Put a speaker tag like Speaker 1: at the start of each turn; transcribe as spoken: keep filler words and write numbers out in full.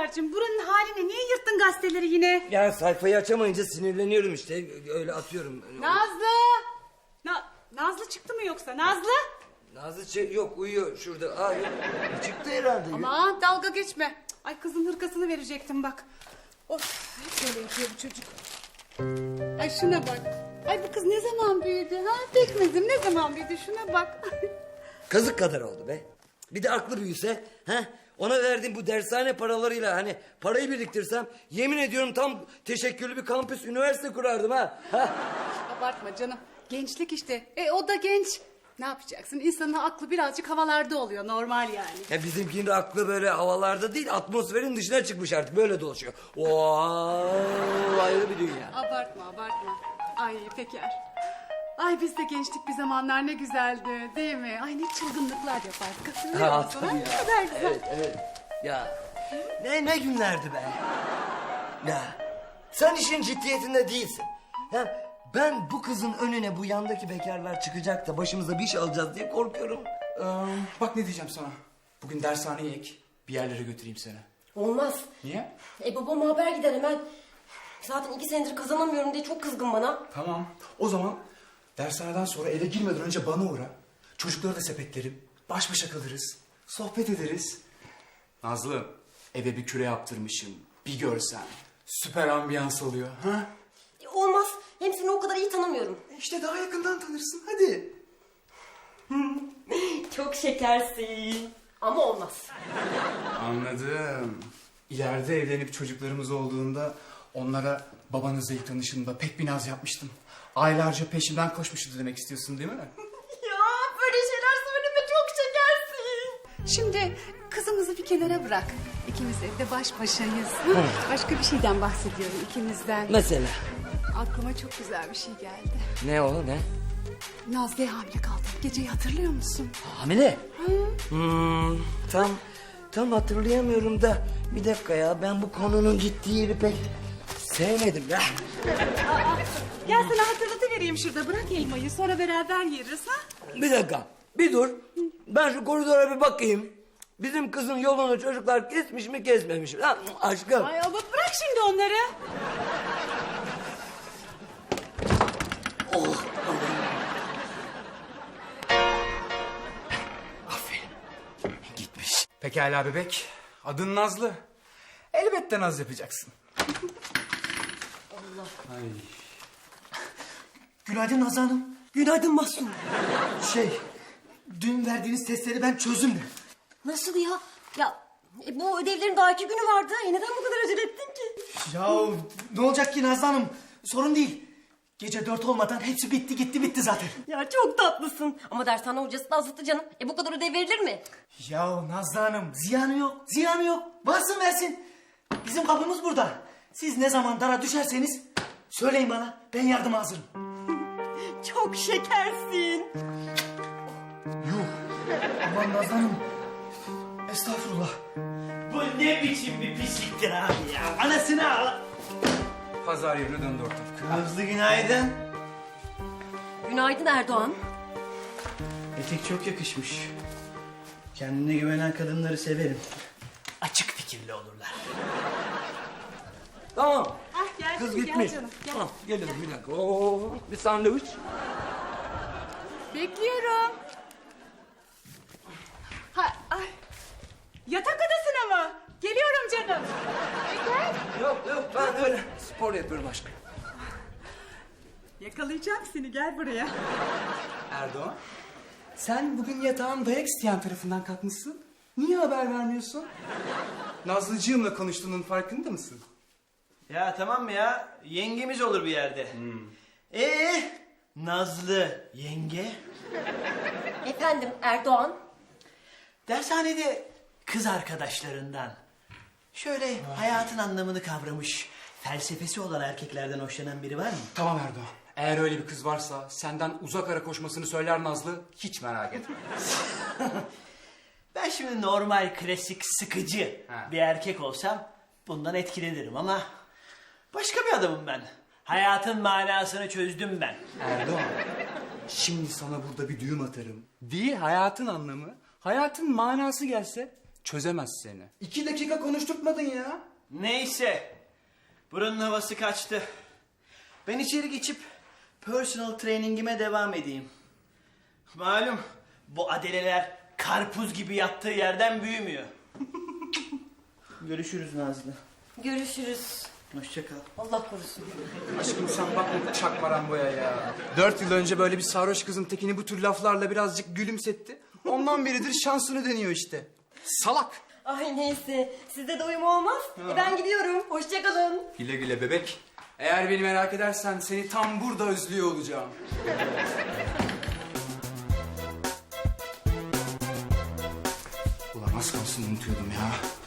Speaker 1: Peker'cim, buranın haline niye yırttın gazeteleri yine?
Speaker 2: Yani sayfayı açamayınca sinirleniyorum işte. Öyle atıyorum.
Speaker 1: Nazlı! Na Nazlı çıktı mı yoksa? Nazlı?
Speaker 2: Nazlı şey, yok uyuyor şurada. Aa, yok. Çıktı herhalde.
Speaker 1: Aman dalga geçme. Ay kızın hırkasını verecektim bak. Of, hep böyle yapıyor bu çocuk. Ay şuna bak. Ay bu kız ne zaman büyüdü ha? Pekmezim ne zaman büyüdü, şuna bak.
Speaker 2: Kazık kadar oldu be. Bir de aklı büyüse. He? Ona verdiğim bu dershane paralarıyla hani parayı biriktirsem yemin ediyorum tam teşekküllü bir kampüs üniversite kurardım ha. ha.
Speaker 1: Abartma canım. Gençlik işte. E o da genç. Ne yapacaksın? İnsanın aklı birazcık havalarda oluyor, normal yani.
Speaker 2: Ya bizimkinin de aklı böyle havalarda değil, atmosferin dışına çıkmış artık, böyle dolaşıyor. Oo, ayrı bir dünya.
Speaker 1: Abartma abartma. Ay Peker. Ay biz de gençlik bir zamanlar ne güzeldi değil mi? Ay ne çılgınlıklar yapardık, hatırlıyor
Speaker 2: Ha,
Speaker 1: musun?
Speaker 2: tabii
Speaker 1: Ay,
Speaker 2: ya.
Speaker 1: ne kadar güzel.
Speaker 2: Evet, evet. Ya ne ne günlerdi be. Ya sen işin ciddiyetinde değilsin. Ya ben bu kızın önüne bu yandaki bekarlar çıkacak da başımıza bir iş alacağız diye korkuyorum.
Speaker 3: Ee, bak ne diyeceğim sana. Bugün dershaneye ek. Bir yerlere götüreyim seni.
Speaker 4: Olmaz.
Speaker 3: Niye?
Speaker 4: E babama haber gider hemen. Zaten iki senedir kazanamıyorum diye çok kızgın bana.
Speaker 3: Tamam. O zaman dershaneden sonra eve girmeden önce bana uğra. Çocukları da sepetlerim. Baş başa kalırız. Sohbet ederiz. Nazlı, eve bir küre yaptırmışım. Bir görsen. Süper ambiyans oluyor. Ha?
Speaker 4: E, olmaz. Hem seni o kadar iyi tanımıyorum.
Speaker 3: İşte daha yakından tanırsın. Hadi.
Speaker 4: Çok şekersin. Ama olmaz.
Speaker 3: Anladım. İleride evlenip çocuklarımız olduğunda onlara babanızla ilk tanışımda pek bir naz yapmıştım. Aylarca peşimden koşmuştu demek istiyorsun değil mi?
Speaker 4: Ya böyle şeyler söyleme, çok şekersin.
Speaker 1: Şimdi kızımızı bir kenara bırak. İkimiz evde baş başayız. Hı? Başka bir şeyden bahsediyorum, ikimizden.
Speaker 2: Mesela?
Speaker 1: Aklıma çok güzel bir şey geldi.
Speaker 2: Ne o ne?
Speaker 1: Nazlı'ya hamile kaldım. Geceyi hatırlıyor musun?
Speaker 2: Hamile? Hmm, tam tam hatırlayamıyorum da bir dakika ya, ben bu konunun ciddi yeri pek sevmedim ya.
Speaker 1: Gel sana hatırlatıvereyim şurada. Bırak elmayı, sonra beraber yeriz ha.
Speaker 2: Bir dakika, bir dur. Ben şu koridora bir bakayım. Bizim kızın yolunu çocuklar kesmiş mi kesmemiş mi? Ha, aşkım.
Speaker 1: Ay ama bırak şimdi onları.
Speaker 2: Oh. Aferin. Gitmiş.
Speaker 3: Pekala bebek. Adın Nazlı. Elbette naz yapacaksın.
Speaker 4: Allah.
Speaker 3: Ay.
Speaker 5: Günaydın Nazlı Hanım.
Speaker 4: Günaydın Mahsun.
Speaker 5: Şey, dün verdiğiniz testleri ben çözdüm de.
Speaker 4: Nasıl ya? Ya e, bu ödevlerin daha iki günü vardı. E, neden bu kadar acele ettin ki?
Speaker 5: Ya ne olacak ki Nazlı Hanım? Sorun değil. Gece dört olmadan hepsi bitti gitti bitti zaten.
Speaker 4: Ya çok tatlısın. Ama dershane hocası da azıttı canım. E bu kadar ödev verilir mi?
Speaker 5: Ya Nazlı Hanım, ziyanı yok, ziyanı yok. Varsın versin. Bizim kapımız burada. Siz ne zaman dara düşerseniz söyleyin bana, ben yardıma hazırım.
Speaker 4: Çok şekersin.
Speaker 5: Aman Nazlı Hanım. Estağfurullah.
Speaker 6: Bu ne biçim bir pisliktir abi ya? Anasını al.
Speaker 3: Pazar yerine döndü ortalık.
Speaker 6: Nazlı günaydın.
Speaker 4: Günaydın Erdoğan.
Speaker 6: Etek çok yakışmış. Kendine güvenen kadınları severim. Açık fikirli olurlar.
Speaker 2: Tamam.
Speaker 1: Ah gel
Speaker 2: Kız
Speaker 1: canım,
Speaker 2: gitmiş.
Speaker 1: gel canım. Gel.
Speaker 2: Tamam, geliyorum bir dakika. Oo, bir sandviç.
Speaker 1: Bekliyorum. Ha, ay. Yatak odasına mı? Geliyorum canım. Peker.
Speaker 2: Yok yok, ben öyle spor yapıyorum aşkım.
Speaker 1: Yakalayacağım seni, gel buraya.
Speaker 3: Erdoğan. Sen bugün yatağın dayak isteyen tarafından kalkmışsın. Niye haber vermiyorsun? Nazlıcığımla konuştuğunun farkında mısın?
Speaker 6: Ya tamam mı ya? Yengemiz olur bir yerde. Ee, Nazlı yenge.
Speaker 4: Efendim Erdoğan.
Speaker 6: Dershanede kız arkadaşlarından şöyle hayatın anlamını kavramış, felsefesi olan erkeklerden hoşlanan biri var mı?
Speaker 3: Tamam Erdoğan. Eğer öyle bir kız varsa senden uzak ara koşmasını söyler Nazlı. Hiç merak etme.
Speaker 6: Ben şimdi normal, klasik, sıkıcı
Speaker 3: Ha.
Speaker 6: bir erkek olsam bundan etkilenirim ama başka bir adamım ben. Hayatın manasını çözdüm ben.
Speaker 3: Erdoğan. Şimdi sana burada bir düğüm atarım. Değil hayatın anlamı, hayatın manası gelse Çözemez seni. İki dakika konuşturtmadın ya.
Speaker 6: Neyse. Buranın havası kaçtı. Ben içeri geçip personal trainingime devam edeyim. Malum bu adeleler karpuz gibi yattığı yerden büyümüyor. Görüşürüz Nazlı.
Speaker 4: Görüşürüz.
Speaker 6: Hoşça kal.
Speaker 4: Allah korusun.
Speaker 3: Aşkım sen bakma çakma Rambo'ya ya. Dört yıl önce böyle bir sarhoş kızın tekini bu tür laflarla birazcık gülümsetti. Ondan beridir şansını deniyor işte. Salak.
Speaker 4: Ay neyse. Sizde de uyum olmaz. E ben gidiyorum. Hoşçakalın.
Speaker 3: Güle güle bebek. Eğer beni merak edersen seni tam burada özlüyor olacağım. Ulan az kalsın unutuyordum ya.